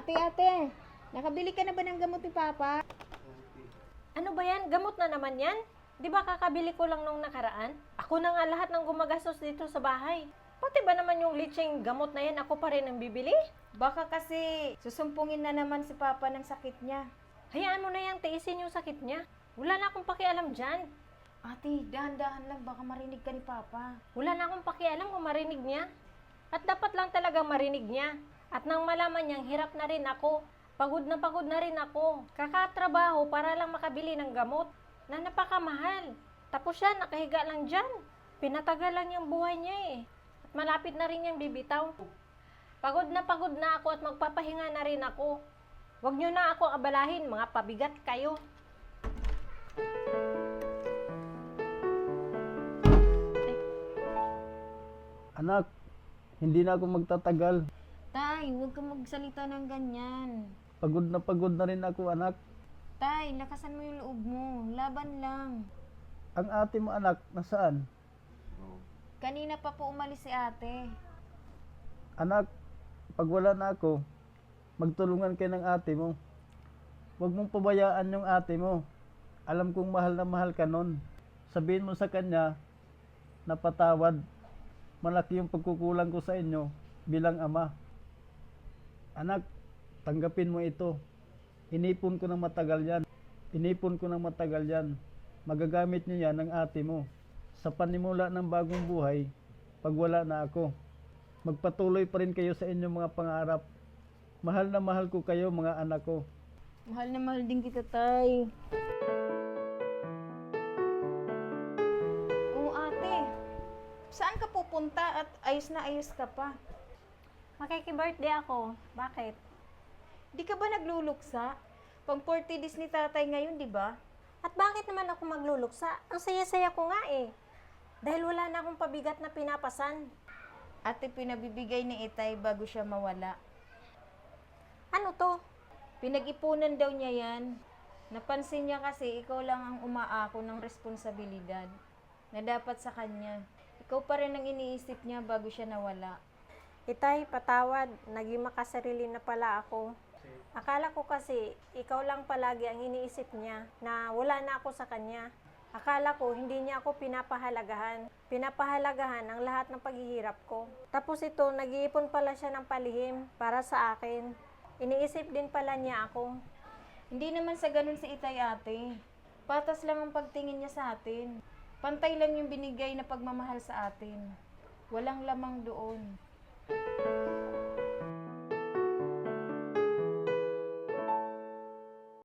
Ate, nakabili ka na ba ng gamot ni Papa? Ano ba yan? Gamot na naman yan? Di ba kakabili ko lang nung nakaraan? Ako na nga lahat ng gumagastos dito sa bahay. Pati ba naman yung litseng gamot na yan, ako pa rin ang bibili? Baka kasi susumpungin na naman si Papa ng sakit niya. Hayaan mo na yan, tiisin yung sakit niya. Wala na akong pakialam dyan. Ate, dahan-dahan lang, baka marinig ka ni Papa. Wala na akong pakialam kung marinig niya. At dapat lang talagang marinig niya. At nang malaman niyang hirap na rin ako, pagod na rin ako. Kakatrabaho para lang makabili ng gamot na napakamahal. Tapos siya, nakahiga lang dyan. Pinatagal lang yung buhay niya eh. At malapit na rin niyang bibitaw. Pagod na ako at magpapahinga na rin ako. Huwag niyo na ako abalahin, mga pabigat kayo. Anak, hindi na ako magtatagal. Tay, huwag kang magsalita ng ganyan. Pagod na rin ako, anak. Tay, lakasan mo yung loob mo. Laban lang. Ang ate mo, anak, nasaan? Kanina pa po umalis si ate. Anak, pag wala na ako, magtulungan kayo ng ate mo. Huwag mong pabayaan yung ate mo. Alam kong mahal na mahal ka nun. Sabihin mo sa kanya na patawad. Malaki yung pagkukulang ko sa inyo bilang ama. Anak, tanggapin mo ito. Inipon ko ng matagal yan. Magagamit niyo yan ng ate mo. Sa panimula ng bagong buhay, pag wala na ako. Magpatuloy pa rin kayo sa inyong mga pangarap. Mahal na mahal ko kayo, mga anak ko. Mahal na mahal din kita, Tay. Oo, ate. Saan ka pupunta at ayos na ayos ka pa? Makiki-birthday ako. Bakit? Di ka ba nagluluksa? Pang 40 days ni tatay ngayon, di ba? At bakit naman ako magluluksa? Ang saya-saya ko nga eh. Dahil wala na akong pabigat na pinapasan. Ate, pinabibigay ni Itay bago siya mawala. Ano to? Pinag-ipunan daw niya yan. Napansin niya kasi ikaw lang ang umaako ng responsibilidad na dapat sa kanya. Ikaw pa rin ang iniisip niya bago siya nawala. Itay, patawad. Naging makasarili na pala ako. Akala ko kasi, ikaw lang palagi ang iniisip niya na wala na ako sa kanya. Akala ko, hindi niya ako pinapahalagahan. Pinapahalagahan ang lahat ng paghihirap ko. Tapos ito, nag-iipon pala siya ng palihim para sa akin. Iniisip din pala niya ako. Hindi naman sa ganun si Itay, ate. Patas lang ang pagtingin niya sa atin. Pantay lang yung binigay na pagmamahal sa atin. Walang lamang doon.